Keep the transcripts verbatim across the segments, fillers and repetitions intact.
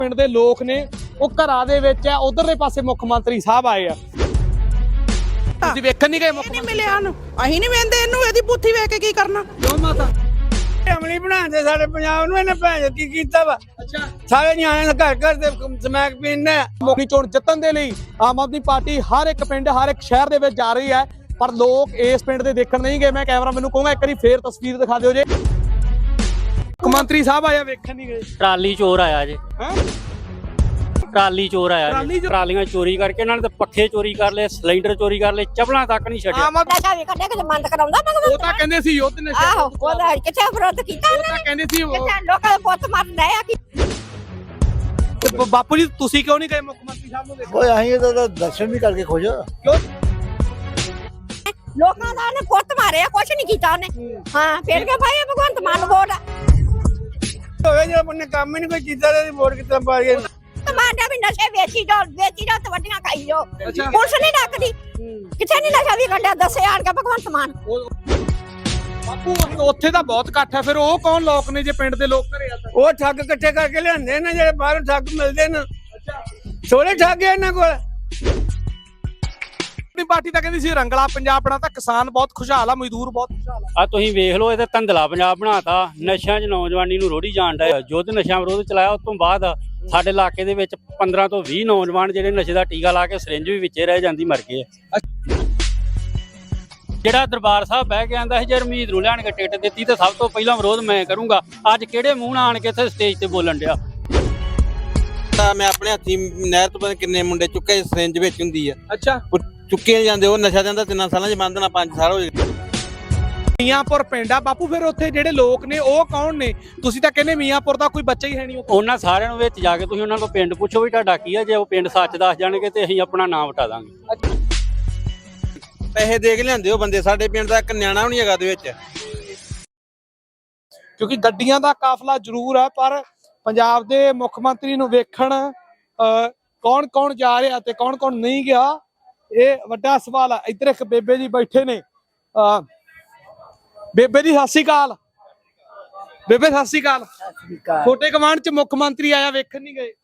ਪਿੰਡ ਦੇ ਲੋਕ ਨੇ ਉਹ ਘਰਾਂ ਦੇ ਵਿੱਚ ਆ, ਉਧਰਲੇ ਪਾਸੇ ਮੁੱਖ ਮੰਤਰੀ ਸਾਹਿਬ ਆਏ ਆ। ਤੁਸੀਂ ਵੇਖਣ ਨਹੀਂ ਗਏ? ਮੁੱਖ ਨਹੀਂ ਮਿਲਿਆ ਨੂੰ ਅਸੀਂ ਨਹੀਂ ਵੇਂਦੇ ਇਹਨੂੰ, ਇਹਦੀ ਪੁੱਥੀ ਵੇਖ ਕੇ ਕੀ ਕਰਨਾ। ਕਿਉਂ ਮਾਤਾ ਅਮਲੀ ਬਣਾਉਂਦੇ ਸਾਡੇ ਪੰਜਾਬ ਨੂੰ, ਇਹਨੇ ਭੈਣ ਕੀ ਕੀਤਾ ਵਾ। ਅੱਛਾ, ਸਾਰੇ ਨਿਆਣੇ ਘਰ ਘਰ ਦੇ ਸਮੈਕ ਪੀਂਦੇ ਆ। ਮੁੱਖੀ ਚੋਣ ਜਿੱਤਣ ਦੇ ਲਈ ਆਮ ਆਦਮੀ ਪਾਰਟੀ ਹਰ ਇੱਕ ਪਿੰਡ ਹਰ ਇੱਕ ਸ਼ਹਿਰ ਦੇ ਵਿੱਚ ਜਾ ਰਹੀ ਹੈ, ਪਰ ਲੋਕ ਇਸ ਪਿੰਡ ਦੇ ਦੇਖਣ ਨਹੀਂ ਗਏ। ਮੈਂ ਕੈਮਰਾ ਮੈਨੂੰ ਕਹੂੰਗਾ ਇੱਕ ਵਾਰੀ ਫੇਰ ਤਸਵੀਰ ਦਿਖਾ ਦਿਓ ਜੇ। ਮੁੱਖ ਮੰਤਰੀ ਸਾਹਿਬ ਆਇਆ, ਵੇਖਣ ਨਹੀਂ ਗਏ? ਟਰਾਲੀ ਚੋਰ ਆਇਆ ਜੇ। ਹਾਂ, ਟਰਾਲੀ ਚੋਰ ਆਇਆ ਟਰਾਲੀ ਜੀ। ਚੋਰ? ਟਰਾਲੀਆਂ ਚੋਰੀ ਕਰਕੇ ਇਹਨਾਂ ਨੇ ਤਾਂ ਪੱਖੇ ਚੋਰੀ ਕਰ ਲਏ, ਸਿਲੰਡਰ ਚੋਰੀ ਕਰ ਲਏ, ਚਪਲਾਂ ਤੱਕ ਨਹੀਂ ਛੱਡਿਆ। ਆਮ ਆਦਮੀ ਨਸ਼ਾ ਵੀ ਕੱਢਿਆ ਕਿ ਬੰਦ ਕਰਾਉਂਦਾ ਉਹ ਤਾਂ ਕਹਿੰਦੇ ਸੀ ਯੁੱਧ ਨਸ਼ਾ। ਆਹੋ ਉਹਦਾ ਕਿੱਥੇ ਵਿਰੋਧ ਕੀਤਾ ਉਹ ਉਹਨੇ? ਤਾਂ ਕਹਿੰਦੇ ਸੀ ਉਹ- ਕਿੱਥੇ ਲੋਕਾਂ ਦੇ ਪੁੱਤ ਮਰਦੇ ਆ ਕਿ ਬ- ਬਾਪੂ ਜੀ ਤੁਸੀਂ ਕਿਉਂ ਨਹੀਂ ਗਏ ਮੁੱਖ ਮੰਤਰੀ ਸਾਹਿਬ ਨੂੰ ਦੇਖੋ? ਓਏ ਅਸੀਂ ਤਾਂ ਦਰਸ਼ਨ ਵੀ ਕਰਕੇ ਖੁਸ਼ ਆ। ਕਿਉਂ? ਲੋਕਾਂ ਦਾ ਉਹਨੇ ਪੁੱਤ ਮਾਰਿਆ, ਕੁਛ ਨਹੀਂ ਕੀਤਾ ਉਹਨੇ। ਹਾਂ ਫਿਰ ਕੇ ਭਾਈ ਭਗਵੰਤ ਮਾਨ ਵੋਟ ਹੋਵੇ ਜਿਹੜਾ ਬੰਨੇ ਕੰਮ ਹੀ ਨਹੀਂ ਕੋਈ ਕੀਤਾ ਤੇ ਵੋਟ ਕਿੱਦਾਂ ਪਾ ਗਏ। ਟਮਾਟਰ ਵੀ ਨਸ਼ੇ ਵੇਚੀ ਜਾਓ ਵੇਚੀ ਜਾਓ ਤੇ ਵੱਡੀਆਂ ਖਾਈ ਜਾਓ। ਅੱਛਾ। ਪੁਲਿਸ ਨਹੀਂ ਡੱਕਦੀ, ਕਿੱਥੇ ਨਹੀਂ ਨਸ਼ਾ ਵੀ ਕੱਢਿਆ ਦੱਸੇ ਆਣ ਕੇ ਭਗਵੰਤ ਮਾਨ। ਬਾਪੂ ਉੱਥੇ ਤਾਂ ਬਹੁਤ ਇਕੱਠ ਹੈ, ਫਿਰ ਉਹ ਕੌਣ ਲੋਕ ਨੇ ਜੇ ਪਿੰਡ ਦੇ ਲੋਕ ਘਰੇ ਆ ਤਾਂ? ਉਹ ਠੱਗ ਇਕੱਠੇ ਕਰਕੇ ਲਿਆਂਦੇ ਨੇ, ਜਿਹੜੇ ਬਾਹਰੋਂ ਠੱਗ ਮਿਲਦੇ ਨੇ। ਅੱਛਾ, ਥੋੜੇ ਠੱਗ ਆ ਇਹਨਾਂ ਕੋਲ। ਆਪਣੀ ਪਾਰਟੀ ਤਾਂ ਕਹਿੰਦੀ ਸੀ ਰੰਗਲਾ ਪੰਜਾਬ ਬਣਾ, ਤਾਂ ਕਿਸਾਨ ਬਹੁਤ ਖੁਸ਼ਹਾਲ ਆ, ਮਜ਼ਦੂਰ ਬਹੁਤ ਖੁਸ਼ਹਾਲ ਆ। ਆ ਤੁਸੀਂ ਵੇਖ ਲਓ, ਇਹ ਤਾਂ ਧੰਦਲਾ ਪੰਜਾਬ ਬਣਾਤਾ। ਨਸ਼ਿਆਂ 'ਚ ਨੌਜਵਾਨੀ ਨੂੰ ਰੋੜੀ ਜਾਣ ਡਿਆ। ਯੁੱਧ ਨਸ਼ਾ ਵਿਰੋਧ ਚਲਾਇਆ, ਉਸ ਤੋਂ ਬਾਅਦ ਸਾਡੇ ਇਲਾਕੇ ਦੇ ਵਿੱਚ ਪੰਦਰਾਂ ਤੋਂ ਵੀਹ ਨੌਜਵਾਨ ਜਿਹੜੇ ਨਸ਼ੇ ਦਾ ਟੀਕਾ ਲਾ ਕੇ ਸਿਰਿੰਜ ਵੀ ਵਿੱਚੇ ਰਹਿ ਜਾਂਦੀ ਮਰ ਗਏ। ਜਿਹੜਾ ਦਰਬਾਰ ਸਾਹਿਬ ਬਹਿ ਕੇ ਆਂਦਾ ਸੀ ਜੇ ਰਮੀਤ ਨੂੰ ਲਿਆਣ ਕੇ ਟਿਕਟ ਦਿੱਤੀ ਤਾਂ ਸਭ ਤੋਂ ਪਹਿਲਾਂ ਵਿਰੋਧ ਮੈਂ ਕਰੂੰਗਾ। ਅੱਜ ਕਿਹੜੇ ਮੂੰਹ ਨਾਲ ਆਣ ਕੇ ਇੱਥੇ ਸਟੇਜ ਤੇ ਬੋਲਣ ਡਿਆ? ਮੈਂ ਆਪਣੇ ਹੱਥੀ ਨਹਿਰ ਤੋਂ ਪਤਾ ਕਿੰਨੇ ਮੁੰਡੇ ਚੁੱਕੇ ਸਿਰਿੰਜ ਵਿੱਚ ਹੁੰਦੀ ਆ। ਅੱਛਾ, ਉਹ ਚੁੱਕੇ ਨਹੀਂ ਜਾਂਦੇ। ਉਹ ਨਸ਼ਾ ਜਾਂਦਾ ਤਿੰਨਾਂ ਸਾਲਾਂ ਚ ਬੰਦ ਨਾ ਪੰਜ ਸਾਲ ਹੋ ਗਏ। ਮੀਆਂਪੁਰ ਪਿੰਡ ਆ ਬਾਪੂ, ਫਿਰ ਉੱਥੇ ਜਿਹੜੇ ਲੋਕ ਨੇ ਉਹ ਕੌਣ ਨੇ? ਤੁਸੀਂ ਤਾਂ ਕਹਿੰਦੇ ਮੀਆਂਪੁਰ ਦਾ ਕੋਈ ਬੱਚਾ ਹੀ ਹੈ ਨਹੀਂ ਉੱਥੇ। ਉਹਨਾਂ ਸਾਰਿਆਂ ਨੂੰ ਵਿੱਚ ਜਾ ਕੇ ਤੁਸੀਂ ਉਹਨਾਂ ਕੋਲ ਪਿੰਡ ਪੁੱਛੋ ਵੀ ਤੁਹਾਡਾ ਕੀ ਆ। ਜੇ ਉਹ ਪਿੰਡ ਸੱਚ ਦੱਸ ਜਾਣਗੇ ਤੇ ਅਸੀਂ ਆਪਣਾ ਨਾਮ ਵਟਾ ਦਾਂਗੇ। ਪੈਸੇ ਦੇ ਕੇ ਲਿਆਂਦੇ ਉਹ ਬੰਦੇ। ਸਾਡੇ ਪਿੰਡ ਦਾ ਇੱਕ ਨਿਆਣਾ ਵੀ ਨਹੀਂ ਹੈਗਾ ਦੇ ਵਿੱਚ। ਕਿਉਂਕਿ ਗੱਡੀਆਂ ਦਾ ਕਾਫਲਾ ਜ਼ਰੂਰ ਹੈ, ਪਰ ਪੰਜਾਬ ਦੇ ਮੁੱਖ ਮੰਤਰੀ ਨੂੰ ਵੇਖਣ ਕੌਣ ਕੌਣ ਜਾ ਰਿਹਾ ਤੇ ਕੌਣ ਕੌਣ ਨਹੀਂ ਗਿਆ, ਇਹ ਵੱਡਾ ਸਵਾਲ ਹੈ। ਇੱਧਰ ਇੱਕ ਬੇਬੇ ਜੀ ਬੈਠੇ ਨੇ। ਅਹ ਬੇਬੇ ਜੀ ਸਤਿ ਸ਼੍ਰੀ ਅਕਾਲ। ਬੇਬੇ ਸਤਿ ਸ਼੍ਰੀ ਅਕਾਲ। ਛੋਟੇ ਕਮਾਂਡ ਚ ਮੁੱਖ ਮੰਤਰੀ ਆਇਆ, ਵੇਖਣ ਨਹੀਂ ਗਏ?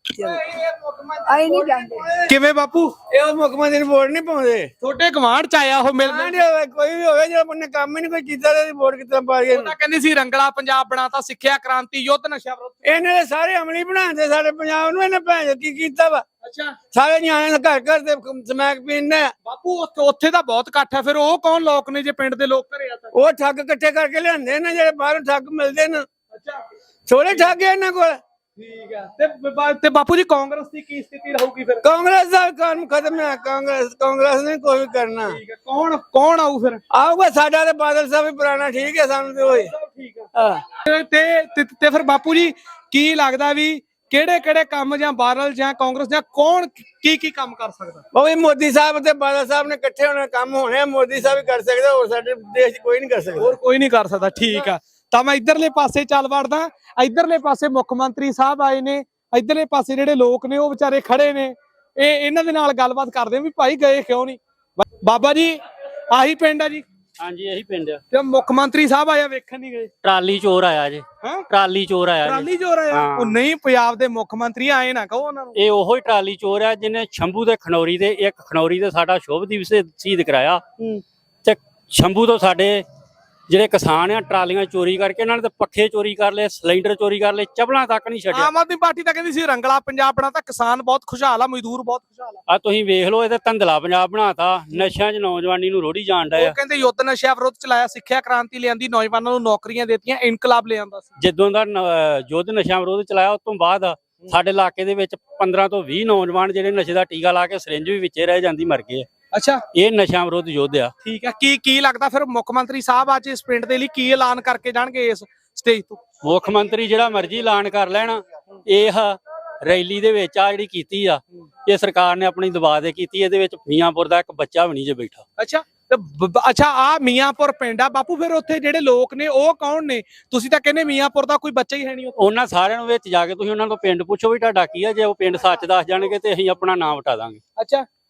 ਆਈ ਨਹੀਂ ਜਾਂਦੇ। ਕਿਵੇਂ ਬਾਪੂ? ਇਹ ਮੁੱਖ ਮੰਤਰੀ ਨੂੰ ਵੋਟ ਨਹੀਂ ਪਾਉਂਦੇ। ਛੋਟੇ ਕਮਾਂਡ ਚ ਆਇਆ ਉਹ ਮਿਲਣ। ਕੋਈ ਵੀ ਹੋਵੇ ਜਿਹੜਾ ਬੰਨੇ ਕੰਮ ਹੀ ਨਹੀਂ ਕੋਈ ਕੀਤਾ ਤੇ ਵੋਟ ਕਿੱਦਾਂ ਪਾ ਗਏ। ਉਹ ਤਾਂ ਕਹਿੰਦੀ ਸੀ ਰੰਗਲਾ ਪੰਜਾਬ ਬਣਾਤਾ, ਸਿੱਖਿਆ ਕ੍ਰਾਂਤੀ, ਯੁੱਧ ਨਸ਼ਾ ਵਿਰੋਧ। ਇਹਨੇ ਦੇ ਸਾਰੇ ਅਮਲੀ ਬਣਾਉਂਦੇ ਸਾਡੇ ਪੰਜਾਬ ਨੂੰ, ਇਹਨੇ ਭੈਣ ਕੀ ਕੀਤਾ ਵਾ। ਅੱਛਾ, ਸਾਰੇ ਨਿਆਣੇ ਘਰ ਘਰ ਦੇ ਸਮੈਕ ਪੀਂਦੇ ਆ। ਬਾਪੂ ਉੱਥੇ ਉੱਥੇ ਤਾਂ ਬਹੁਤ ਇਕੱਠ ਹੈ, ਫਿਰ ਉਹ ਕੌਣ ਲੋਕ ਨੇ ਜੇ ਪਿੰਡ ਦੇ ਲੋਕ ਘਰੇ ਆ ਤਾਂ? ਉਹ ਠੱਗ ਇਕੱਠੇ ਕਰਕੇ ਲਿਆਂਦੇ ਨੇ, ਜਿਹੜੇ ਬਾਹਰੋਂ ਠੱਗ ਮਿਲਦੇ ਨੇ। ਅੱਛਾ, ਥੋੜੇ ਠੱਗ ਆ ਇਹਨਾਂ ਕੋਲ। ਠੀਕ ਹੈ। ਤੇ ਬਾ- ਤੇ ਬਾਪੂ ਜੀ ਕਾਂਗਰਸ ਦੀ ਕੀ ਸਥਿਤੀ ਰਹੂਗੀ ਫਿਰ? ਕਾਂਗਰਸ ਦਾ ਕੰਮ ਖਤਮ ਹੈ। ਕਾਂਗਰਸ ਕਾਂਗਰਸ ਨੇ ਕੋਈ ਵੀ ਕਰਨਾ। ਠੀਕ ਹੈ, ਕੌਣ ਕੌਣ ਆਊ ਫਿਰ? ਆਊਗਾ ਸਾਡਾ ਤੇ ਬਾਦਲ ਸਾਹਿਬ ਵੀ ਪੁਰਾਣਾ ਠੀਕ ਹੈ ਸਾਨੂੰ ਤੇ ਹੋਏ। ਠੀਕ ਹੈ। ਹਾਂ, ਤੇ ਤੇ ਤੇ ਫਿਰ ਬਾਪੂ ਜੀ ਕੀ ਲੱਗਦਾ ਵੀ ਕਿਹੜੇ ਕਿਹੜੇ ਕੰਮ ਜਾਂ ਬਾਦਲ ਜਾਂ ਕਾਂਗਰਸ ਜਾਂ ਕੌਣ ਕੀ ਕੀ ਕੰਮ ਕਰ ਸਕਦਾ? ਉਹ ਵੀ ਮੋਦੀ ਸਾਹਿਬ ਤੇ ਬਾਦਲ ਸਾਹਿਬ ਨੇ ਇਕੱਠੇ ਹੋਣੇ ਕੰਮ ਹੋਣੇ। ਮੋਦੀ ਸਾਹਿਬ ਹੀ ਕਰ ਸਕਦਾ, ਹੋਰ ਸਾਡੇ ਦੇਸ਼ 'ਚ ਕੋਈ ਨਹੀਂ ਕਰ ਸਕਦਾ। ਹੋਰ ਕੋਈ ਨਹੀਂ ਕਰ ਸਕਦਾ। ਠੀਕ ਆ, ਤਾਂ ਮੈਂ ਇਧਰਲੇ ਪਾਸੇ ਚੱਲ ਵੜਦਾ। ਇਧਰਲੇ ਪਾਸੇ ਮੁੱਖ ਮੰਤਰੀ ਸਾਹਿਬ ਆਏ ਨੇ, ਇਧਰਲੇ ਪਾਸੇ ਜਿਹੜੇ ਲੋਕ ਨੇ ਉਹ ਵਿਚਾਰੇ ਖੜੇ ਨੇ। ਇਹ ਇਹਨਾਂ ਦੇ ਨਾਲ ਗੱਲਬਾਤ ਕਰਦੇ ਆ ਵੀ ਭਾਈ ਗਏ ਕਿਉਂ ਨਹੀਂ? ਬਾਬਾ ਜੀ ਆਹੀ ਪਿੰਡ ਆ ਜੀ? ਹਾਂਜੀ, ਇਹੀ ਪਿੰਡ ਆ। ਤੇ ਮੁੱਖ ਮੰਤਰੀ ਸਾਹਿਬ ਆਇਆ, ਵੇਖਣ ਨਹੀਂ ਗਏ? ਟਰਾਲੀ ਚੋਰ ਆਇਆ ਜੇ। ਹੈਂ? ਟਰਾਲੀ ਚੋਰ ਆਇਆ ਜੀ। ਟਰਾਲੀ ਚੋਰ ਆਇਆ? ਹਾਂ। ਉਹ ਨਹੀਂ, ਪੰਜਾਬ ਦੇ ਮੁੱਖ ਮੰਤਰੀ ਆਏ ਨਾ ਕਹੋ ਉਹਨਾਂ ਨੂੰ। ਇਹ ਉਹੋ ਹੀ ਟਰਾਲੀ ਚੋਰ ਆ ਜਿਹਨੇ ਸ਼ੰਭੂ ਦੇ ਖਨੌਰੀ ਦੇ ਇੱਕ ਖਨੌਰੀ ਦੇ ਸਾਡਾ ਸ਼ੁਭਦੀਪ ਸ਼ਹੀਦ ਕਰਾਇਆ। ਤੇ ਸ਼ੰਭੂ ਤੋਂ ਸਾਡੇ ਜਿਹੜੇ ਕਿਸਾਨ ਆ ਟਰਾਲੀਆਂ ਚੋਰੀ ਕਰਕੇ ਇਹਨਾਂ ਨੇ ਤਾਂ ਪੱਖੇ ਚੋਰੀ ਕਰ ਲਏ, ਸਿਲੰਡਰ ਚੋਰੀ ਕਰ ਲਏ, ਚਪਲਾਂ ਤੱਕ ਨਹੀਂ ਛੱਡਿਆ। ਆਮ ਆਦਮੀ ਪਾਰਟੀ ਤਾਂ ਕਹਿੰਦੀ ਸੀ ਰੰਗਲਾ ਪੰਜਾਬ ਬਣਾ, ਤਾਂ ਕਿਸਾਨ ਬਹੁਤ ਖੁਸ਼ਹਾਲ ਆ, ਮਜ਼ਦੂਰ ਬਹੁਤ ਖੁਸ਼ਹਾਲ ਆ। ਆ ਤੁਸੀਂ ਵੇਖ ਲਓ, ਇਹ ਤਾਂ ਧੰਦਲਾ ਪੰਜਾਬ ਬਣਾਤਾ। ਨਸ਼ਿਆਂ 'ਚ ਨੌਜਵਾਨੀ ਨੂੰ ਰੋੜੀ ਜਾਣ ਡਿਆ। ਉਹ ਕਹਿੰਦੇ ਯੁੱਧ ਨਸ਼ਾ ਵਿਰੋਧ ਚਲਾਇਆ, ਸਿੱਖਿਆ ਕ੍ਰਾਂਤੀ ਲਿਆਂਦੀ, ਨੌਜਵਾਨਾਂ ਨੂੰ ਨੌਕਰੀਆਂ ਦਿੱਤੀਆਂ, ਇਨਕਲਾਬ ਲਿਆਂਦਾ ਸੀ। ਜਦੋਂ ਦਾ ਨ- ਯੁੱਧ ਨਸ਼ਾ ਵਿਰੋਧ ਚਲਾਇਆ, ਉਸ ਤੋਂ ਬਾਅਦ ਸਾਡੇ ਇਲਾਕੇ ਦੇ ਵਿੱਚ ਪੰਦਰਾਂ ਤੋਂ ਵੀਹ ਨੌਜਵਾਨ ਜਿਹੜੇ ਨਸ਼ੇ ਦਾ ਟੀਕਾ ਲਾ ਕੇ ਸਿਰਿੰਜ ਵੀ ਵਿੱਚੇ ਰਹਿ ਜਾਂਦੀ ਮਰ ਗਏ। ਅੱਛਾ, ਇਹ ਨਸ਼ਾ ਵਿਰੋਧ ਯੁੱਧ ਆ। ਠੀਕ ਹੈ। ਕੀ ਕੀ ਲੱਗਦਾ ਫਿਰ ਮੁੱਖ ਮੰਤਰੀ ਸਾਹਿਬ ਅੱਜ ਇਸ ਪਿੰਡ ਦੇ ਲਈ ਕੀ ਐਲਾਨ ਕਰਕੇ ਜਾਣਗੇ ਇਸ ਸਟੇਜ ਤੋਂ? ਮੁੱਖ ਮੰਤਰੀ ਜਿਹੜਾ ਮਰਜ਼ੀ ਐਲਾਨ ਕਰ ਲੈਣ, ਇਹ ਰੈਲੀ ਦੇ ਵਿੱਚ ਆ ਜਿਹੜੀ ਕੀਤੀ ਆ, ਇਹ ਸਰਕਾਰ ਨੇ ਆਪਣੀ ਦਬਾਅ ਦੇ ਕੀਤੀ। ਇਹਦੇ ਵਿੱਚ ਮੀਆਂਪੁਰ ਦਾ ਇੱਕ ਬੱਚਾ ਵੀ ਨਹੀਂ ਜੇ ਬੈਠਾ। ਅੱਛਾ, ਤੇ ਬ- ਬ- ਅੱਛਾ ਆ ਮੀਆਂਪੁਰ ਪਿੰਡ ਆ ਬਾਪੂ, ਫਿਰ ਉੱਥੇ ਜਿਹੜੇ ਲੋਕ ਨੇ ਉਹ ਕੌਣ ਨੇ? ਤੁਸੀਂ ਤਾਂ ਕਹਿੰਦੇ ਮੀਆਂਪੁਰ ਦਾ ਕੋਈ ਬੱਚਾ ਹੀ ਹੈ ਨਹੀਂ ਉੱਥੇ। ਉਹਨਾਂ ਸਾਰਿਆਂ ਨੂੰ ਵਿੱਚ ਜਾ ਕੇ ਤੁਸੀਂ ਉਹਨਾਂ ਕੋਲ ਪਿੰਡ ਪੁੱਛੋ ਵੀ ਤੁਹਾਡਾ ਕੀ ਆ। ਜੇ ਉਹ ਪਿੰਡ ਸੱਚ ਦੱਸ ਜਾਣਗੇ ਤੇ ਅਸੀਂ ਆਪਣਾ ਨਾਮ ਵਟਾ ਦਾਂਗੇ। ਅੱਛਾ,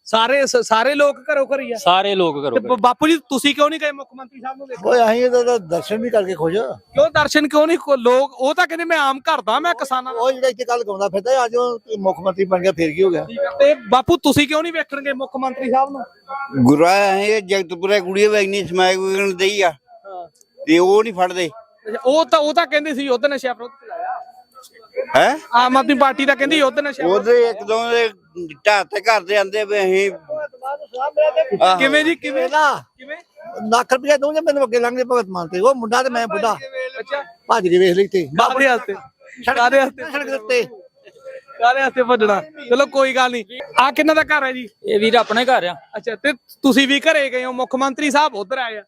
ਸਾਰੇ ਸ- ਸਾਰੇ ਲੋਕ ਘਰੋਂ ਘਰੀ ਆ ਸਾਰੇ ਲੋਕ ਤੇ ਕਰੋ ਬ- ਬਾਪੂ ਜੀ ਤੁਸੀਂ ਕਿਉਂ ਨਹੀਂ ਗਏ ਮੁੱਖ ਮੰਤਰੀ ਸਾਹਿਬ ਨੂੰ ਦੇਖੋ ਓਏ ਅਸੀਂ ਇਹਦਾ ਤਾਂ ਦਰਸ਼ਨ ਵੀ ਕਰਕੇ ਖੁਸ਼ ਆ। ਕਿਉਂ ਦਰਸ਼ਨ ਕਿਉਂ ਨਹੀਂ ਕੋ- ਲੋਕ ਉਹ ਤਾਂ ਕਹਿੰਦੇ ਮੈਂ ਆਮ ਘਰ ਦਾ ਮੈਂ ਕਿਸਾਨਾਂ ਦਾ ਉਹ ਜਿਹੜਾ ਇੱਥੇ ਕੱਲ ਗਾਉਂਦਾ ਫਿਰਦਾ ਅੱਜ ਉਹ ਮੁੱਖ ਮੰਤਰੀ ਬਣ ਗਿਆ ਫੇਰ ਕੀ ਹੋ ਗਿਆ। ਠੀਕ ਆ। ਤੇ ਬਾਪੂ ਤੁਸੀਂ ਕਿਉਂ ਨਹੀਂ ਵੇਖਣਗੇ ਮੁੱਖ ਮੰਤਰੀ ਸਾਹਿਬ ਨੂੰ ਗੁਰਾ ਇਹ ਜਗਤਪੁਰੇ ਕੁੜੀ ਵੇ ਇੰਨੀ ਸਮਾਇਕ ਵਿਗਣ ਦਈ ਆ ਤੇ ਉਹ ਨਹੀਂ ਫੜਦੇ ਅੱਛਾ, ਉਹ ਤਾਂ ਉਹ ਤਾਂ ਕਹਿੰਦੇ ਸੀ ਯੁੱਧ ਨਸ਼ਾ ਵਿਰੁੱਧ ਚਲਾਇਆ ਹੈ ਆਮ ਆਦਮੀ ਪਾਰਟੀ ਤਾਂ ਕਹਿੰਦੀ ਯੁੱਧ ਨਸ਼ਾ ਵਿਰੁੱਧ। ਉਹਦੇ ਇੱਕ ਦੋ ਦੇ ਢਾਹ ਤੇ ਘਰ ਦੇ ਆਂਦੇ ਵੀ ਅਸੀਂ ਆਹੋ। ਕਿਵੇਂ ਜੀ ਕਿਵੇਂ ਨਾ ਕਿਵੇਂ ਲੱਖ ਰੁਪਏ ਦਊਂਗੇ ਮੈਨੂੰ ਅੱਗੇ ਲੰਘਦੇ ਭਗਤ ਮਾਨ ਤੇ ਉਹ ਮੁੰਡਾ ਤੇ ਮੈਂ ਬੁੱਢਾ ਅੱਛਾ ਭੱਜ ਕੇ ਵੇਖ ਲਈ ਤੇ ਕਾਦੇ ਹੱਥੇ ਕਾਦੇ ਹੱਥੇ ਸੜਕ ਦੇ ਉੱਤੇ ਕਾਦੇ ਹੱਥੇ ਭੱਜਣਾ ਚਲੋ ਕੋਈ ਗੱਲ ਨਹੀਂ ਆ ਕਿੰਨਾ ਦਾ ਘਰ ਹੈ ਜੀ ਇਹ ਵੀਰ ਆਪਣੇ ਘਰ ਆ ਅੱਛਾ ਤੇ ਤੁਸੀਂ ਵੀ ਘਰੇ ਗਏ ਹੋ ਮੁੱਖ ਮੰਤਰੀ ਸਾਹਿਬ ਉਧਰ ਆਏ ਆ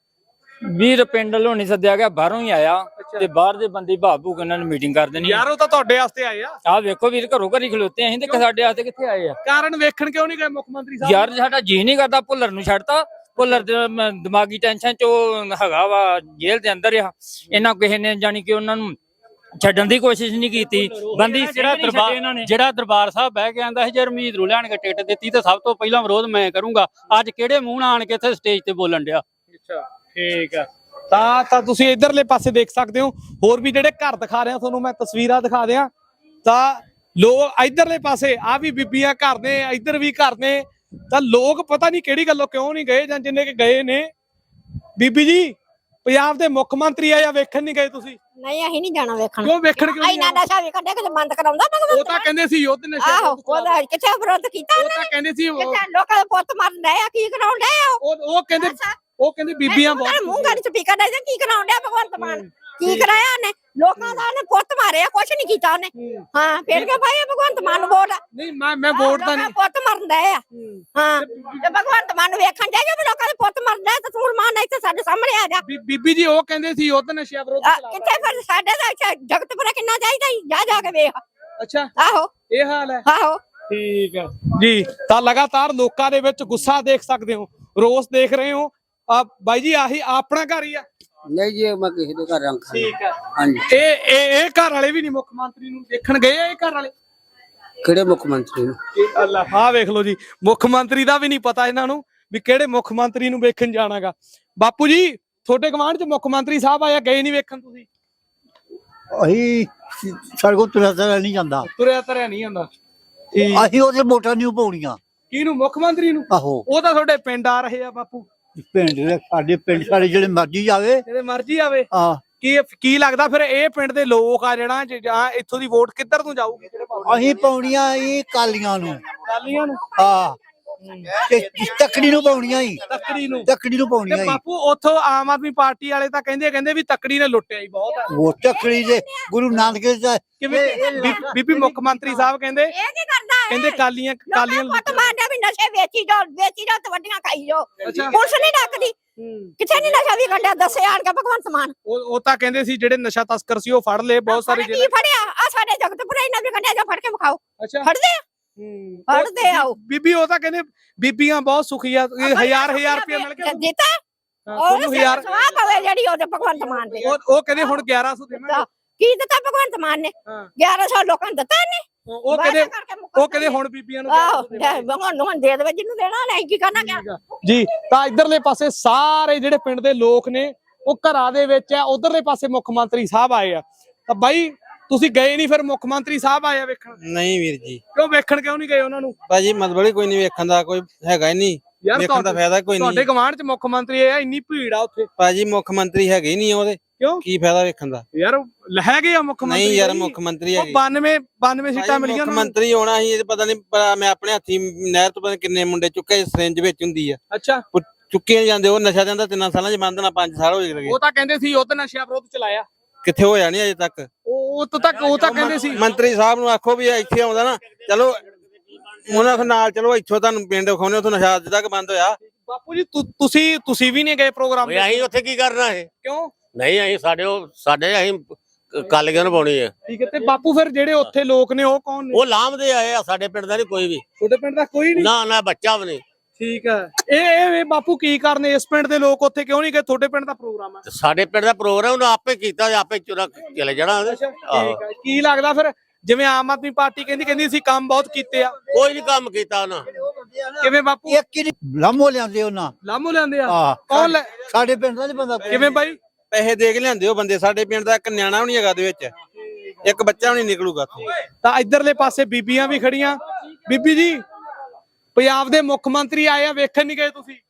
ਵੀਰ ਪਿੰਡ ਵੱਲੋਂ ਨਹੀਂ ਸੱਦਿਆ ਗਿਆ ਬਾਹਰੋਂ ਹੀ ਆਇਆ ਤੇ ਬਾਹਰ ਦੇ ਬੰਦੇ ਭਾਬੂ ਕੇ ਇਹਨਾਂ ਨੇ ਮੀਟਿੰਗ ਕਰ ਦੇਣੀ ਯਾਰ ਉਹ ਤਾਂ ਤੁਹਾਡੇ ਵਾਸਤੇ ਆਏ ਆ ਆਹ ਵੇਖੋ ਵੀਰ ਘਰੋਂ ਘਰੀ ਖਲੋਤੇ ਅਸੀਂ ਤੇ ਸਾਡੇ ਵਾਸਤੇ ਕਿੱਥੇ ਆਏ ਆ ਕਾਰਨ ਵੇਖਣ ਕਿਉਂ ਨਹੀਂ ਗਏ ਮੁੱਖ ਮੰਤਰੀ ਸਾਹਿਬ ਯਾਰ ਸਾਡਾ ਜੀ ਨਹੀਂ ਕਰਦਾ ਭੁੱਲਰ ਨੂੰ ਛੱਡਤਾ ਭੁੱਲਰ ਦੇ ਮ- ਦਿਮਾਗੀ ਟੈਨਸ਼ਨ ਚ ਉਹ ਹੈਗਾ ਵਾ ਜੇਲ੍ਹ ਦੇ ਅੰਦਰ ਆ ਇਹਨਾਂ ਕਿਸੇ ਨੇ ਜਾਣੀ ਕਿ ਉਹਨਾਂ ਨੂੰ ਛੱਡਣ ਦੀ ਕੋਸ਼ਿਸ਼ ਨਹੀਂ ਕੀਤੀ ਬੰਦੀ ਜਿਹੜਾ ਦਰਬਾਰ ਜਿਹੜਾ ਦਰਬਾਰ ਸਾਹਿਬ ਬਹਿ ਕੇ ਆਂਦਾ ਸੀ ਜੇ ਰਮੀਤ ਨੂੰ ਲੈਣ ਕੇ ਟਿਕਟ ਦਿੱਤੀ ਤਾਂ ਸਭ ਤੋਂ ਪਹਿਲਾਂ ਵਿਰੋਧ ਮੈਂ ਕਰੂੰਗਾ ਅੱਜ ਕਿਹੜੇ ਮੂੰਹ ਨਾਲ ਆਣ ਕੇ ਇੱਥੇ ਸਟੇਜ ਤੇ ਬੋਲਣ ਡਿਆ ਅੱਛਾ ਠੀਕ ਆ ਤਾਂ ਤਾਂ ਤੁਸੀਂ ਇਧਰਲੇ ਪਾਸੇ ਦੇਖ ਸਕਦੇ ਹੋ ਹੋਰ ਵੀ ਜਿਹੜੇ ਘਰ ਦਿਖਾ ਰਿਹਾ ਤੁਹਾਨੂੰ ਮੈਂ ਤਸਵੀਰਾਂ ਦਿਖਾ ਦਿਆਂ ਤਾਂ ਲੋਕ ਇਧਰਲੇ ਪਾਸੇ ਆ ਵੀ ਬੀਬੀਆਂ ਘਰ ਨੇ ਇਧਰ ਵੀ ਘਰ ਨੇ ਤਾਂ ਲੋਕ ਪਤਾ ਨਹੀਂ ਕਿਹੜੀ ਗੱਲੋਂ ਕਿਉਂ ਨਹੀਂ ਗਏ ਜਾਂ ਜਿੰਨੇ ਕਿ ਗਏ ਨੇ ਬੀਬੀ ਜੀ ਪੰਜਾਬ ਦੇ ਮੁੱਖ ਮੰਤਰੀ ਆ ਜਾਂ ਵੇਖਣ ਨਹੀਂ ਗਏ ਤੁਸੀਂ ਨਹੀਂ ਅਸੀਂ ਨਹੀਂ ਜਾਣਾ ਵੇਖਣ ਕਿਉਂ ਵੇਖਣ ਕਿਉਂ ਨਹੀਂ ਇੰਨਾ ਗਏ? ਨਸ਼ਾ ਵੀ ਕੱਢਿਆ ਕਿ ਬੰਦ ਕਰਾਉਂਦਾ ਉਹ ਭਗਵੰਤ ਤਾਂ ਮਾਨ। ਕਹਿੰਦੇ ਸੀ ਯੁੱਧ ਨਸ਼ਾ ਆਹੋ ਵਿਰੁੱਧ ਚਲਾਓ। ਉਹਦਾ ਕਿੱਥੇ ਵਿਰੋਧ ਕੀਤਾ ਉਹ ਤਾਂ ਕਹਿੰਦੇ ਸੀ ਉਹ ਕਿੱਥੇ ਲੋਕਾਂ ਦੇ ਪੁੱਤ ਮਰਨ ਡਏ ਆ ਕੀ ਕਰਾਉਣ ਡਏ ਆ ਉਹ? ਉਹ ਕਹਿੰਦੇ ਉਹ ਕਹਿੰਦੇ ਬੀਬੀਆਂ ਉਹਨਾਂ ਨੇ ਮੂੰਹ ਬਹੁਤ ਗਾੜੀ ਸਪੀਕਰ ਡਏ ਜਾਂ ਕੀ ਕਰਾਉਣ ਡਿਆ ਭਗਵੰਤ ਮਾਨ ਕੀ ਕਰਾਇਆ ਉਹਨੇ ਲੋਕਾਂ ਦਾ ਉਹਨੇ ਪੁੱਤ ਮਾਰਿਆ ਕੁਛ ਨਹੀਂ ਕੀਤਾ ਉਹਨੇ ਹਾਂ ਫੇਰ ਕੇ ਭਾਈ ਭਗਵੰਤ ਮਾਨ ਨੂੰ ਵੋਟ ਨਹੀਂ ਮੈਂ ਮੈਂ ਵੋਟ ਤਾਂ ਲੋਕਾਂ ਦੇ ਨਹੀਂ ਪੁੱਤ ਮਰਨ ਡਏ ਆ ਹਾਂ ਤੇ ਭਗਵੰਤ ਮਾਨ ਨੂੰ ਵੇਖਣ ਜਾਈਏ ਵੀ ਲੋਕਾਂ ਦੇ ਪੁੱਤ ਮਰਨ ਡਏ ਤੇ ਤੂੰ ਮਾਨ ਇੱਥੇ ਸਾਡੇ ਸਾਹਮਣੇ ਆ ਜਾ ਬੀ- ਬੀਬੀ ਜੀ ਉਹ ਕਹਿੰਦੇ ਸੀ ਯੁੱਧ ਨਸ਼ਾ ਵਿਰੁੱਧ ਆ, ਚਲਾਓ। ਕਿੱਥੇ ਫਿਰ ਸਾਡੇ ਦਾ ਇੱਥੇ ਜਗਤਪੁਰਾ ਕਿੰਨਾ ਚਾਹੀਦਾ ਈ? ਜਾ ਜਾ ਕੇ ਵੇਖ ਅੱਛਾ ਆਹੋ ਇਹ ਹਾਲ ਹੈ ਆਹੋ ਠੀਕ ਹੈ ਜੀ ਤਾਂ ਲਗਾਤਾਰ ਲੋਕਾਂ ਦੇ ਵਿੱਚ ਗੁੱਸਾ ਦੇਖ ਸਕਦੇ ਹੋ ਰੋਸ ਦੇਖ ਰਹੇ ਹੋ ਆ ਬਾਈ ਜੀ ਆਹੀ ਆਪਣਾ ਘਰ ਹੀ ਆ ਨਹੀਂ ਜੀ ਮੈਂ ਕਿਸੇ ਦੇ ਘਰ ਰੰਗ ਠੀਕ ਹੈ ਹਾਂਜੀ ਇਹ ਇਹ ਇਹ ਘਰ ਵਾਲੇ ਵੀ ਨਹੀਂ ਮੁੱਖ ਮੰਤਰੀ ਨੂੰ ਦੇਖਣ ਗਏ ਆ ਇਹ ਘਰ ਵਾਲੇ ਕਿਹੜੇ ਮੁੱਖ ਮੰਤਰੀ ਨੂੰ ਇਹ ਅੱਲਾ ਹਾਂ ਵੇਖ ਲਓ ਜੀ ਮੁੱਖ ਮੰਤਰੀ ਦਾ ਵੀ ਨਹੀਂ ਪਤਾ ਇਹਨਾਂ ਨੂੰ ਵੀ ਕਿਹੜੇ ਮੁੱਖ ਮੰਤਰੀ ਨੂੰ ਵੇਖਣ ਜਾਣਾਗਾ ਬਾਪੂ ਜੀ ਤੁਹਾਡੇ ਗਵਾਂਢ ਚ ਮੁੱਖ ਮੰਤਰੀ ਸਾਹਿਬ ਆਇਆ ਗਏ ਨਹੀਂ ਵੇਖਣ ਤੁਸੀਂ ਅਸੀਂ ਸਾਡੇ ਕੋਲ ਤੁਰਿਆ ਤੁਰਿਆ ਨਹੀਂ ਜਾਂਦਾ ਤੁਰਿਆ ਤਰਿਆ ਨਹੀਂ ਆਂਦਾ ਠੀਕ ਅਸੀਂ ਉਹਦੇ ਵੋਟਾਂ ਨਹੀਂ ਪਾਉਣੀਆਂ ਕਿਹਨੂੰ ਮੁੱਖ ਮੰਤਰੀ ਨੂੰ ਆਹੋ ਉਹ ਤਾਂ ਤੁਹਾਡੇ ਪਿੰਡ ਆ ਰਹੇ ਆ ਬਾਪੂ ਪਿੰਡ ਦੇ ਸਾਡੇ ਪਿੰਡ ਸਾਡੇ ਜਿਹੜੇ ਮਰਜ਼ੀ ਜਾਵੇ ਜਿਹਦੇ ਮਰਜ਼ੀ ਆਵੇ ਆ ਕੀ ਕੀ ਲੱਗਦਾ ਫਿਰ ਇਹ ਪਿੰਡ ਦੇ ਲੋਕ ਆ ਜਿਹੜਾ ਜ- ਜਾਂ ਇੱਥੋਂ ਦੀ ਵੋਟ ਕਿੱਧਰ ਨੂੰ ਜਾਊਗੀ ਅਸੀਂ ਪਾਉਣੀਆਂ ਇਹ ਕਾਲੀਆਂ ਨੂੰ ਕਾਲੀਆਂ ਨੂੰ ਆ ਤੇ ਤੱਕੜੀ ਨੂੰ ਪਾਉਣੀਆਂ ਹੀ ਤੱਕੜੀ ਨੂੰ ਤੱਕੜੀ ਨੂੰ ਤੇ ਪਾਉਣੀਆਂ ਹੀ ਬਾਪੂ ਉੱਥੋਂ ਆਮ ਆਦਮੀ ਪਾਰਟੀ ਵਾਲੇ ਤਾਂ ਕਹਿੰਦੇ ਕਹਿੰਦੇ ਵੀ ਤੱਕੜੀ ਨੇ ਲੁੱਟਿਆ ਹੀ ਬਹੁਤ ਹੈ ਉਹ ਤੱਕੜੀ ਦੇ ਗੁਰੂ ਨਾਨਕ ਦੇਵ ਦਾ ਕਿਵੇਂ ਬੀ- ਬੀਬੀ ਮੁੱਖ ਮੰਤਰੀ ਸਾਹਿਬ ਕਹਿੰਦੇ ਇਹ ਕੀ ਕਰਦਾ ਹੈ ਕਹਿੰਦੇ ਕਾਲੀਆਂ ਕਾਲੀਆਂ ਲੋਕਾਂ ਪੁੱਤ ਮਾਰਦੇ ਵੀ ਨਸ਼ੇ ਵੇਚੀ ਜਾਓ ਵੇਚੀ ਜਾਓ ਤੇ ਵੱਡੀਆਂ ਖਾਈ ਜਾਓ ਅੱਛਾ। ਪੁਲਿਸ ਨਹੀਂ ਡੱਕਦੀ ਕਿੱਥੇ ਨਹੀਂ ਨਸ਼ਾ ਵੀ ਕੱਢਿਆ ਦੱਸੇ ਆਣ ਕੇ ਭਗਵੰਤ ਮਾਨ ਉਹ ਉਹ ਤਾਂ ਕਹਿੰਦੇ ਸੀ ਜਿਹੜੇ ਨਸ਼ਾ ਤਸਕਰ ਸੀ ਉਹ ਫੜ ਲਏ ਬਹੁਤ ਸਾਰੇ ਕੀ ਫੜਿਆ ਆ ਸਾਡੇ ਜਗਤਪੁਰਾ ਇਹਨਾਂ ਵੀ ਕੱਢਿਆ ਜਾ ਫੜ ਕੇ ਵਿਖਾਓ ਅੱਛਾ ਫੜਦੇ ਆ ਹੂੰ। ਫੜਦੇ ਆਓ ਬੀਬੀ ਉਹ ਤਾਂ ਕਹਿੰਦੇ ਬੀਬੀਆਂ ਬਹੁਤ ਸੁਖੀ ਆ ਇਹ ਹਜ਼ਾਰ ਹਜ਼ਾਰ ਰੁਪਏ ਮਿਲ ਗਿਆ ਦਿੱਤਾ ਉਹ ਤੁਹਾਨੂੰ ਹਜ਼ਾਰ ਸਵਾਹ ਪਵੇ ਜਿਹੜੀ ਉਹਦੇ ਭਗਵੰਤ ਮਾਨ ਦੇ ਉਹ ਉਹ ਕਹਿੰਦੇ ਹੁਣ ਗਿਆਰਾਂ ਸੌ ਦੇਵਾਂਗੇ ਕੀ ਦਿੱਤਾ ਭਗਵੰਤ ਮਾਨ ਨੇ ਹਾਂ। ਗਿਆਰਾਂ ਸੌ ਲੋਕਾਂ ਨੂੰ ਦਿੱਤਾ ਨੇ ਉਹ ਉਹ ਕਹਿੰਦੇ ਉਹ ਕਹਿੰਦੇ ਹੁਣ ਬੀਬੀਆਂ ਨੂੰ ਆਹੋ ਗਿਆਰਾਂ ਸੌ ਦੇਵਾਂਗੇ। ਭਗਵੰਤ ਨੂੰ ਦੇ ਦੇਵੇ ਜਿਹਨੂੰ ਦੇਣਾ ਨਹੀਂ ਕੀ ਕਰਨਾ ਗਿਆ ਜੀ ਤਾਂ ਇਧਰਲੇ ਪਾਸੇ ਸਾਰੇ ਜਿਹੜੇ ਪਿੰਡ ਦੇ ਲੋਕ ਨੇ ਉਹ ਘਰਾਂ ਦੇ ਵਿੱਚ ਆ ਉਧਰਲੇ ਪਾਸੇ ਮੁੱਖ ਮੰਤਰੀ ਸਾਹਿਬ ਆਏ ਆ ਤਾਂ ਬਾਈ ਤੁਸੀਂ ਗਏ ਨਹੀਂ ਫਿਰ ਮੁੱਖ ਮੰਤਰੀ ਸਾਹਿਬ ਆਏ ਆ ਵੇਖਣ ਨਹੀਂ ਵੀਰ ਜੀ ਕਿਉਂ ਵੇਖਣ ਕਿਉਂ ਨਹੀਂ ਗਏ ਉਹਨਾਂ ਨੂੰ ਭਾਜੀ ਮਤਲਬ ਹੀ ਕੋਈ ਨਹੀਂ ਵੇਖਣ ਦਾ ਕੋਈ ਹੈਗਾ ਹੀ ਨਹੀਂ ਯਾਰ ਵੇਖਣ ਦਾ ਫਾਇਦਾ ਕੋਈ ਤੁਹਾਡੇ ਨਹੀਂ ਗਵਾਂਢ ਚ ਮੁੱਖ ਮੰਤਰੀ ਆ ਇੰਨੀ ਭੀੜ ਆ ਉੱਥੇ ਭਾਜੀ ਮੁੱਖ ਮੰਤਰੀ ਹੈਗੇ ਹੀ ਨਹੀਂ ਉਹਦੇ ਕਿਉਂ ਕੀ ਫਾਇਦਾ ਵੇਖਣ ਦਾ ਯਾਰ ਹੈਗੇ ਆ ਮੁੱਖ ਮੰਤਰੀ ਨਹੀਂ ਯਾਰ ਬਾਈ। ਮੁੱਖ ਮੰਤਰੀ ਉਹ ਹੈਗੇ ਬਾਨਵੇਂ ਬਾਨਵੇਂ ਸੀਟਾਂ ਭਾਜੀ, ਮਿਲੀਆਂ ਮੁੱਖ ਉਹਨਾਂ ਨੂੰ। ਮੰਤਰੀ ਹੋਣਾ ਸੀ ਇਹ ਪਤਾ ਨਹੀਂ ਮੈਂ ਆਪਣੇ ਹੱਥੀ ਨਹਿਰ ਤੋਂ ਪਤਾ ਨੀ ਕਿੰਨੇ ਮੁੰਡੇ ਚੁੱਕੇ ਸਿਰਿੰਜ ਵਿੱਚ ਹੁੰਦੀ ਆ ਅੱਛਾ ਉਹ ਚੁੱਕੇ ਨੀ ਜਾਂਦੇ ਉਹ ਨਸ਼ਾ ਜਾਂਦਾ ਤਿੰਨਾਂ ਸਾਲਾਂ ਚ ਬੰਦ ਨਾ ਪੰਜ ਸਾਲ ਹੋ ਗਏ ਉਹ ਤਾਂ ਕਹਿੰਦੇ ਸੀ ਯੁੱਧ ਨਸ਼ਾ ਵਿਰੋਧ ਚਲਾਇਆ ਕਿੱਥੇ ਹੋਇਆ ਨਹੀਂ ਅਜੇ ਤੱਕ ਉਹ ਤੋਂ ਤੱਕ ਉਹ ਤਾਂ ਕਹਿੰਦੇ ਸੀ ਮੰਤਰੀ ਸਾਹਿਬ ਨੂੰ ਆਖੋ ਵੀ ਇੱਥੇ ਆਉਂਦਾ ਨਾ ਚਲੋ ਉਹਨਾਂ ਦੇ ਨਾਲ ਚਲੋ ਇੱਥੋਂ ਤੁਹਾਨੂੰ ਪਿੰਡ ਵਿਖਾਉਣੇ ਉੱਥੋਂ ਨਸ਼ਾ ਅੱਜ ਤੱਕ ਬੰਦ ਹੋਇਆ ਬਾਪੂ ਜੀ ਤੁ- ਤੁਸੀਂ ਤੁਸੀਂ ਵੀ ਨਹੀਂ ਗਏ ਪ੍ਰੋਗਰਾਮ ਓਏ ਅਸੀਂ ਉੱਥੇ ਕੀ ਕਰਨਾ ਹੈ ਕਿਉਂ ਨਹੀਂ ਅਸੀਂ ਸਾਡੇ ਉਹ ਸਾਡੇ ਅਸੀਂ ਕਾਲੀਆਂ ਨੂੰ ਪਾਉਣੀ ਹੈ ਠੀਕ ਹੈ ਤੇ ਬਾਪੂ ਫਿਰ ਜਿਹੜੇ ਉੱਥੇ ਲੋਕ ਨੇ ਉਹ ਕੌਣ ਨੇ ਉਹ ਲਾਂਭਦੇ ਆਏ ਆ ਸਾਡੇ ਪਿੰਡ ਦਾ ਨਹੀਂ ਕੋਈ ਵੀ ਤੁਹਾਡੇ ਪਿੰਡ ਦਾ ਕੋਈ ਨਹੀਂ ਨਾ ਨਾ ਬੱਚਾ ਵੀ ਨਹੀਂ ਠੀਕ ਹੈ ਇਹ ਇਹ ਇਹ ਬਾਪੂ ਕੀ ਕਰਨੇ ਇਸ ਪਿੰਡ ਦੇ ਲੋਕ ਉੱਥੇ ਕਿਉਂ ਨਹੀਂ ਗਏ ਤੁਹਾਡੇ ਪਿੰਡ ਦਾ ਪ੍ਰੋਗਰਾਮ ਹੈ ਤੇ ਸਾਡੇ ਪਿੰਡ ਦਾ ਪ੍ਰੋਗਰਾਮ ਉਹਨੇ ਆਪੇ ਕੀਤਾ ਤੇ ਆਪੇ ਚੁਰਾ ਚਲੇ ਜਾਣਾ ਉਹਨੇ। ਅੱਛਾ ਆਹੋ। ਠੀਕ ਹੈ ਕੀ ਲੱਗਦਾ ਫਿਰ ਜਿਵੇਂ ਆਮ ਆਦਮੀ ਪਾਰਟੀ ਕਹਿੰਦੀ ਕਹਿੰਦੀ ਅਸੀਂ ਕੰਮ ਬਹੁਤ ਕੀਤੇ ਆ ਕੋਈ ਨਹੀਂ ਕੰਮ ਕੀਤਾ ਉਹਨਾਂ ਕਿਵੇਂ ਬਾਪੂ? ਇੱਕ ਹੀ ਲਾਮੋ ਲਿਆਂਦੇ ਉਹਨਾਂ ਲਾਮੋ ਲਿਆਂਦੇ ਆ? ਆ ਕੌਣ ਲੈ ਸਾਡੇ ਪਿੰਡ ਦਾ ਨਹੀਂ ਬੰਦਾ ਕਿਵੇਂ ਬਾਈ? ਪੈਸੇ ਦੇ ਕੇ ਲਿਆਂਦੇ ਉਹ ਬੰਦੇ, ਸਾਡੇ ਪਿੰਡ ਦਾ ਇੱਕ ਨਿਆਣਾ ਵੀ ਨਹੀਂ ਹੈਗਾ ਦੇ ਵਿੱਚ, ਇੱਕ ਬੱਚਾ ਵੀ ਨਹੀਂ ਨਿਕਲੂਗਾ ਉੱਥੋਂ। ਤਾਂ ਇਧਰਲੇ ਪਾਸੇ ਬੀਬੀਆਂ ਵੀ ਖੜੀਆਂ। ਬੀਬੀ ਜੀ, ਪੰਜਾਬ ਦੇ ਮੁੱਖ ਮੰਤਰੀ ਆਏ ਆ, ਵੇਖਣ ਨਹੀਂ ਗਏ ਤੁਸੀਂ?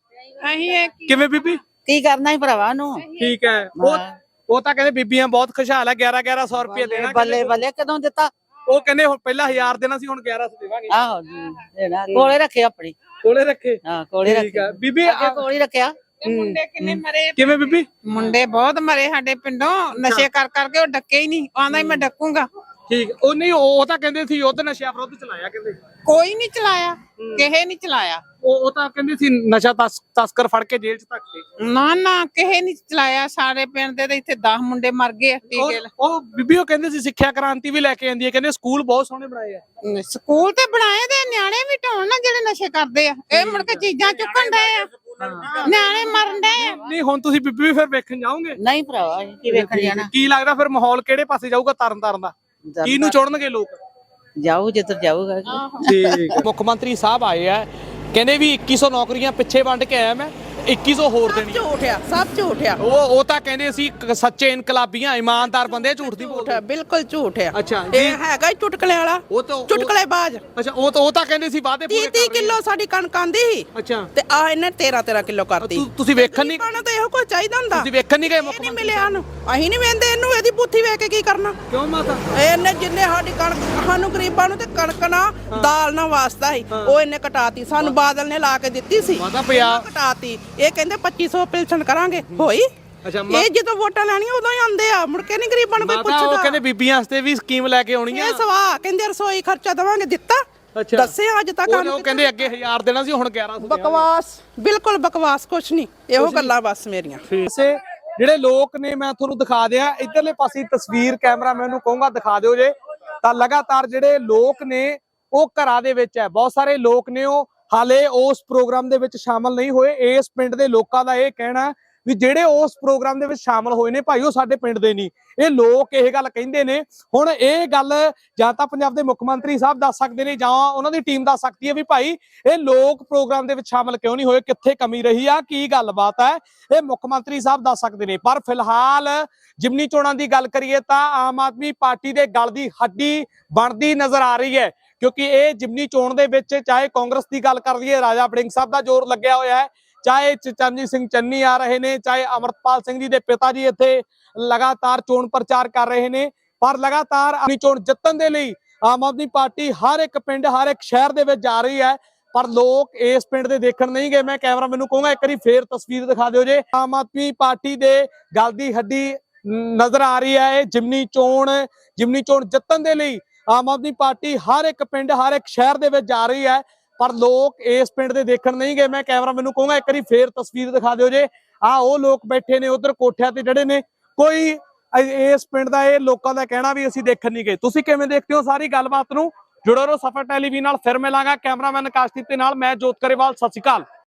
ਕਿਵੇਂ ਬੀਬੀ? ਕੀ ਕਰਨਾ ਹੀ ਭਰਾਵਾ ਨੂੰ। ਠੀਕ ਹੈ। ਉਹ ਉਹ ਤਾਂ ਕਹਿੰਦੇ ਬੀਬੀਆਂ ਬਹੁਤ ਖੁਸ਼ਹਾਲ ਆ, ਗਿਆਰਾਂ ਗਿਆਰਾਂ ਸੌ ਰੁਪਏ ਦੇਣਾ। ਬੱਲੇ ਬੱਲੇ ਕਦੋਂ ਦਿੱਤਾ? ਉਹ ਕਹਿੰਦੇ ਹੁਣ ਪਹਿਲਾਂ ਹਜ਼ਾਰ ਦੇਣਾ ਸੀ, ਹੁਣ ਗਿਆਰਾਂ ਸੌ ਦੇਵਾਂਗੇ। ਆਹੋ ਦੇਣਾ, ਕੋਲੇ ਰੱਖੇ ਆਪਣੀ। ਕੋਲੇ ਰੱਖੇ? ਹਾਂ ਕੋਲੇ ਠੀਕ ਆ ਰੱਖੇ ਬੀਬੀ। ਕੋਲੇ ਹੀ ਰੱਖਿਆ। ਮੁੰਡੇ ਕਿੰਨੇ ਮਰੇ? ਕਿਵੇਂ ਬੀਬੀ? ਮੁੰਡੇ ਬਹੁਤ ਮਰੇ ਸਾਡੇ ਪਿੰਡੋਂ, ਨਸ਼ੇ ਕਰ ਕਰਕੇ। ਉਹ ਡੱਕੇ ਹੀ ਨਹੀਂ, ਆਂਦਾ ਹੀ ਮੈਂ ਡੱਕੂਗਾ। ਠੀਕ। ਉਹ ਨਹੀਂ, ਉਹ ਤਾਂ ਕਹਿੰਦੇ ਸੀ ਯੁੱਧ ਨਸ਼ਿਆਂ ਵਿਰੁੱਧ ਚਲਾਇਆ, ਕਹਿੰਦੇ ਕੋਈ ਨਹੀਂ ਚਲਾਇਆ, ਕਿਸੇ ਨਹੀਂ ਚਲਾਇਆ। ਉਹ ਉਹ ਤਾਂ ਕਹਿੰਦੇ ਸੀ ਨਸ਼ਾ ਤਸ- ਤਸਕਰ ਫੜ ਕੇ ਜੇਲ੍ਹ ਚ ਧੱਕਦੇ। ਨਾ ਨਾ ਕਿਸੇ ਨਹੀਂ ਚਲਾਇਆ। ਸਾਡੇ ਪਿੰਡ ਦੇ ਤਾਂ ਇੱਥੇ ਦਸ ਮੁੰਡੇ ਮਰ ਗਏ ਟੀਕੇ ਲਾ- ਉਹ ਬੀਬੀ ਉਹ ਕਹਿੰਦੇ ਸੀ ਸਿੱਖਿਆ ਕ੍ਰਾਂਤੀ ਵੀ ਲੈ ਕੇ ਆਂਦੀ ਹੈ, ਕਹਿੰਦੇ ਸਕੂਲ ਬਹੁਤ ਸੋਹਣੇ ਬਣਾਏ ਆ। ਸਕੂਲ ਤੇ ਬਣਾਏ ਦੇ, ਨਿਆਣੇ ਵੀ ਢੋਣ ਨਾ ਜਿਹੜੇ ਨਸ਼ੇ ਕਰਦੇ ਆ। ਇਹ ਮੁੜ ਕੇ ਚੀਜ਼ਾਂ ਚੁੱਕਣ ਡਏ ਆ, ਨਿਆਣੇ ਮਰਨ ਡਏ ਆ। ਨਹੀਂ ਹੁਣ ਤੁਸੀਂ ਬੀਬੀ ਵੀ ਫਿਰ ਵੇਖਣ ਜਾਓਗੇ? ਨਹੀਂ ਭਰਾਵਾ ਅਸੀਂ ਕੀ ਵੇਖਣ ਜਾਣਾ। ਕੀ ਲੱਗਦਾ ਫਿਰ ਮਾਹੌਲ ਕਿਹੜੇ ਪਾਸੇ ਜਾਊਗਾ ਤਰਨ ਤਾਰਨ ਦਾ? ਕਿਹਨੂੰ ਚੁਣਨਗੇ ਲੋਕ? ਜਾਊ ਜਿੱਧਰ ਜਾਊਗਾ। ਠੀਕ। ਮੁੱਖ ਮੰਤਰੀ ਸਾਹਿਬ ਆਏ ਆ, ਕਹਿੰਦੇ ਵੀ ਇੱਕੀ ਸੌ ਨੌਕਰੀਆਂ ਪਿੱਛੇ ਵੰਡ ਕੇ ਆਇਆ ਮੈਂ, ਇੱਕੀ ਸੌ ਹੋਰ ਦੇਣੀ। ਝੂਠ ਆ, ਸਭ ਝੂਠ ਆ। ਉਹ ਉਹ ਤਾਂ ਕਹਿੰਦੇ ਸੀ ਕ- ਸੱਚੇ ਇਨਕਲਾਬੀਆਂ ਇਮਾਨਦਾਰ ਬੰਦੇ, ਝੂਠ ਦੀ ਬੋਲਦੇ। ਬਿਲਕੁਲ ਝੂਠ ਆ। ਅੱਛਾ ਇਹ ਹੈਗਾ ਚੁਟਕਲੇ ਵਾਲਾ, ਉਹ ਤਾਂ ਚੁਟਕਲੇ ਬਾਜ। ਅੱਛਾ ਉਹ ਤਾਂ ਉਹ ਤਾਂ ਕਹਿੰਦੇ ਸੀ ਵਾਅਦੇ ਪੂਰੇ ਤੀਹ ਕਿਲੋ ਸਾਡੀ ਕਣਕ ਆਂਦੀ ਸੀ ਅੱਛਾ ਤੇ ਆ ਇਹਨੇ ਤੇਰਾਂ ਤੇਰਾਂ ਕਿਲੋ ਕਰਤੀ। ਤੁ- ਤੁਸੀਂ ਵੇਖਣ ਨਹੀਂ ਸਾਨੂੰ ਤਾਂ ਇਹੋ ਕੁਝ ਚਾਹੀਦਾ ਹੁੰਦਾ। ਤੁਸੀਂ ਵੇਖਣ ਨਹੀਂ ਗਏ ਮੁੱਖ ਨਹੀਂ ਮੰਤਰੀ? ਮਿਲਿਆ ਨੂੰ, ਅਸੀਂ ਨਹੀਂ ਵੇਂਦੇ ਇਹਨੂੰ, ਇਹਦੀ ਬੁੱਥੀ ਵੇਖ ਕੇ ਕੀ ਕਰਨਾ। ਕਿਉਂ ਮਾਤਾ? ਇਹਨੇ ਜਿੰਨੇ ਸਾਡੀ ਕਣਕ, ਸਾਨੂੰ ਗਰੀਬਾਂ ਨੂੰ ਤੇ ਕਣਕ ਨਾ ਦਾਲ ਨਾ ਵਾਸਤਾ ਸੀ, ਉਹ ਇਹਨੇ ਕਟਾਤੀ। ਸਾਨੂੰ ਬਾਦਲ ਨੇ ਲਾ ਕੇ ਦਿੱਤੀ ਸੀ, ਮਾਤਾ ਪਿਆ ਕਟਾਤੀ। ਇਹ ਕਹਿੰਦੇ ਪੱਚੀ ਸੌ ਪਿਲਸਣ ਕਰਾਂਗੇ, ਹੋਈ? ਅੱਛਾ ਇਹ ਜਦੋਂ ਵੋਟਾਂ ਲੈਣੀਆਂ ਉਦੋਂ ਹੀ ਆਉਂਦੇ ਆ, ਮੁੜ ਕੇ ਨਹੀਂ ਗਰੀਬਾਂ ਨੂੰ ਕੋਈ ਮਾਤਾ ਉਹ ਪੁੱਛਦਾ। ਕਹਿੰਦੇ ਬੀਬੀਆਂ ਵਾਸਤੇ ਵੀ ਸਕੀਮ ਲੈ ਕੇ ਆਉਣੀ ਆ। ਇਹ ਸਵਾ ਕਹਿੰਦੇ ਰਸੋਈ ਖਰਚਾ ਦਵਾਂਗੇ, ਦਿੱਤਾ? ਅੱਛਾ ਦੱਸੇ ਅੱਜ ਤੱਕ ਉਹ ਉਹ ਕਹਿੰਦੇ ਅੱਗੇ ਹਜ਼ਾਰ ਦੇਣਾ ਸੀ, ਹੁਣ ਗਿਆਰਾਂ ਸੌ। ਬਕਵਾਸ, ਬਿਲਕੁਲ ਬਕਵਾਸ, ਕੁਛ ਨਹੀਂ। ਇਹੋ ਗੱਲਾਂ ਬਸ ਮੇਰੀਆਂ। ਵੈਸੇ ਜਿਹੜੇ ਲੋਕ ਨੇ ਮੈਂ ਤੁਹਾਨੂੰ ਦਿਖਾ ਦਿਆਂ, ਇਧਰਲੇ ਪਾਸੇ ਤਸਵੀਰ ਕੈਮਰਾਮੈਨ ਨੂੰ ਕਹੂੰਗਾ ਦਿਖਾ ਦਿਓ ਜੇ। ਤਾਂ ਲਗਾਤਾਰ ਜਿਹੜੇ ਲੋਕ ਨੇ ਉਹ ਘਰਾਂ ਦੇ ਵਿੱਚ ਹੈ, ਬਹੁਤ ਸਾਰੇ ਲੋਕ ਨੇ ਉਹ ਹਾਲੇ ਉਸ ਪ੍ਰੋਗਰਾਮ ਦੇ ਵਿੱਚ ਸ਼ਾਮਲ ਨਹੀਂ ਹੋਏ। ਇਸ ਪਿੰਡ ਦੇ ਲੋਕਾਂ ਦਾ ਇਹ ਕਹਿਣਾ ਵੀ ਜਿਹੜੇ ਉਸ ਪ੍ਰੋਗਰਾਮ ਦੇ ਵਿੱਚ ਸ਼ਾਮਲ ਹੋਏ ਨੇ ਭਾਈ, ਉਹ ਸਾਡੇ ਪਿੰਡ ਦੇ ਨਹੀਂ। ਇਹ ਲੋਕ ਇਹ ਗੱਲ ਕਹਿੰਦੇ ਨੇ। ਹੁਣ ਇਹ ਗੱਲ ਜਾਂ ਤਾਂ ਪੰਜਾਬ ਦੇ ਮੁੱਖ ਮੰਤਰੀ ਸਾਹਿਬ ਦੱਸ ਸਕਦੇ ਨੇ, ਜਾਂ ਉਹਨਾਂ ਦੀ ਟੀਮ ਦੱਸ ਸਕਦੀ ਹੈ ਵੀ ਭਾਈ ਇਹ ਲੋਕ ਪ੍ਰੋਗਰਾਮ ਦੇ ਵਿੱਚ ਸ਼ਾਮਲ ਕਿਉਂ ਨਹੀਂ ਹੋਏ, ਕਿੱਥੇ ਕਮੀ ਰਹੀ ਆ, ਕੀ ਗੱਲਬਾਤ ਹੈ, ਇਹ ਮੁੱਖ ਮੰਤਰੀ ਸਾਹਿਬ ਦੱਸ ਸਕਦੇ ਨੇ। ਪਰ ਫਿਲਹਾਲ ਜਿਮਨੀ ਚੋਣਾਂ ਦੀ ਗੱਲ ਕਰੀਏ ਤਾਂ ਆਮ ਆਦਮੀ ਪਾਰਟੀ ਦੇ ਗਲ ਦੀ ਹੱਡੀ ਬਣਦੀ ਨਜ਼ਰ ਆ ਰਹੀ ਹੈ, ਕਿਉਂਕਿ ਇਹ ਜਿਮਨੀ ਚੋਣ ਦੇ ਵਿੱਚ ਚਾਹੇ ਕਾਂਗਰਸ ਦੀ ਗੱਲ ਕਰ ਲਈਏ, ਰਾਜਾ ਵੜਿੰਗ ਸਾਹਿਬ ਦਾ ਜ਼ੋਰ ਲੱਗਿਆ ਹੋਇਆ ਹੈ, ਚਾਹੇ ਚਰਨਜੀਤ ਸਿੰਘ ਚੰਨੀ ਆ ਰਹੇ ਨੇ, ਚਾਹੇ ਅਮਰਪਾਲ ਸਿੰਘ ਜੀ ਦੇ ਪਿਤਾ ਜੀ ਇੱਥੇ ਲਗਾਤਾਰ ਚੋਣ ਪ੍ਰਚਾਰ ਕਰ ਰਹੇ ਨੇ। ਪਰ ਲਗਾਤਾਰ ਆਪਣੀ ਚੋਣ ਜਿੱਤਣ ਦੇ ਲਈ ਆਮ ਆਦਮੀ ਪਾਰਟੀ ਹਰ ਇੱਕ ਪਿੰਡ, ਹਰ ਇੱਕ ਸ਼ਹਿਰ ਦੇ ਵਿੱਚ ਜਾ ਰਹੀ ਹੈ, ਪਰ ਲੋਕ ਇਸ ਪਿੰਡ ਦੇ ਦੇਖਣ ਨਹੀਂ ਗਏ। ਮੈਂ ਕੈਮਰਾ ਮੈਨੂੰ ਕਹੂੰਗਾ ਇੱਕ ਵਾਰੀ ਫੇਰ ਤਸਵੀਰ ਦਿਖਾ ਦਿਓ ਜੇ। ਆਮ ਆਦਮੀ ਪਾਰਟੀ ਦੇ ਗਲ ਦੀ ਹੱਡੀ ਨਜ਼ਰ ਆ ਰਹੀ ਹੈ। ਇਹ ਜਿਮਨੀ ਚੋਣ ਜਿਮਨੀ ਚੋਣ ਜਿੱਤਣ ਦੇ ਲਈ ਆਮ ਆਦਮੀ ਪਾਰਟੀ ਹਰ ਇੱਕ ਪਿੰਡ, ਹਰ ਇੱਕ ਸ਼ਹਿਰ ਦੇ ਵਿੱਚ ਜਾ ਰਹੀ ਹੈ, ਪਰ ਲੋਕ ਇਸ ਪਿੰਡ ਦੇ ਦੇਖਣ ਨਹੀਂ ਗਏ। ਮੈਂ ਕੈਮਰਾ ਮੈਨੂੰ ਕਹੂੰਗਾ ਇੱਕ ਵਾਰੀ ਫੇਰ ਤਸਵੀਰ ਦਿਖਾ ਦਿਓ ਜੇ। ਆ ਉਹ ਲੋਕ ਬੈਠੇ ਨੇ ਉਧਰ ਕੋਠਿਆਂ ਤੇ ਜਿਹੜੇ ਨੇ, ਕੋਈ ਇਸ ਪਿੰਡ ਦਾ ਇਹ ਲੋਕਾਂ ਦਾ ਕਹਿਣਾ ਵੀ ਅਸੀਂ ਦੇਖਣ ਨਹੀਂ ਗਏ। ਤੁਸੀਂ ਕਿਵੇਂ ਦੇਖਦੇ ਹੋ ਸਾਰੀ ਗੱਲਬਾਤ ਨੂੰ? ਜੁੜੋ ਰਹੋ ਸਫਰ ਟੈਲੀਵਿਜ਼ਨ ਨਾਲ। ਫਿਰ ਮਿਲਾਂਗਾ ਕੈਮਰਾਮੈਨ ਆਕਾਸ਼ਦੀਪ ਦੇ ਨਾਲ, ਮੈਂ ਜੋਤ ਕਰੇਵਾਲ। ਸਤਿ ਸ਼੍ਰੀ ਅਕਾਲ।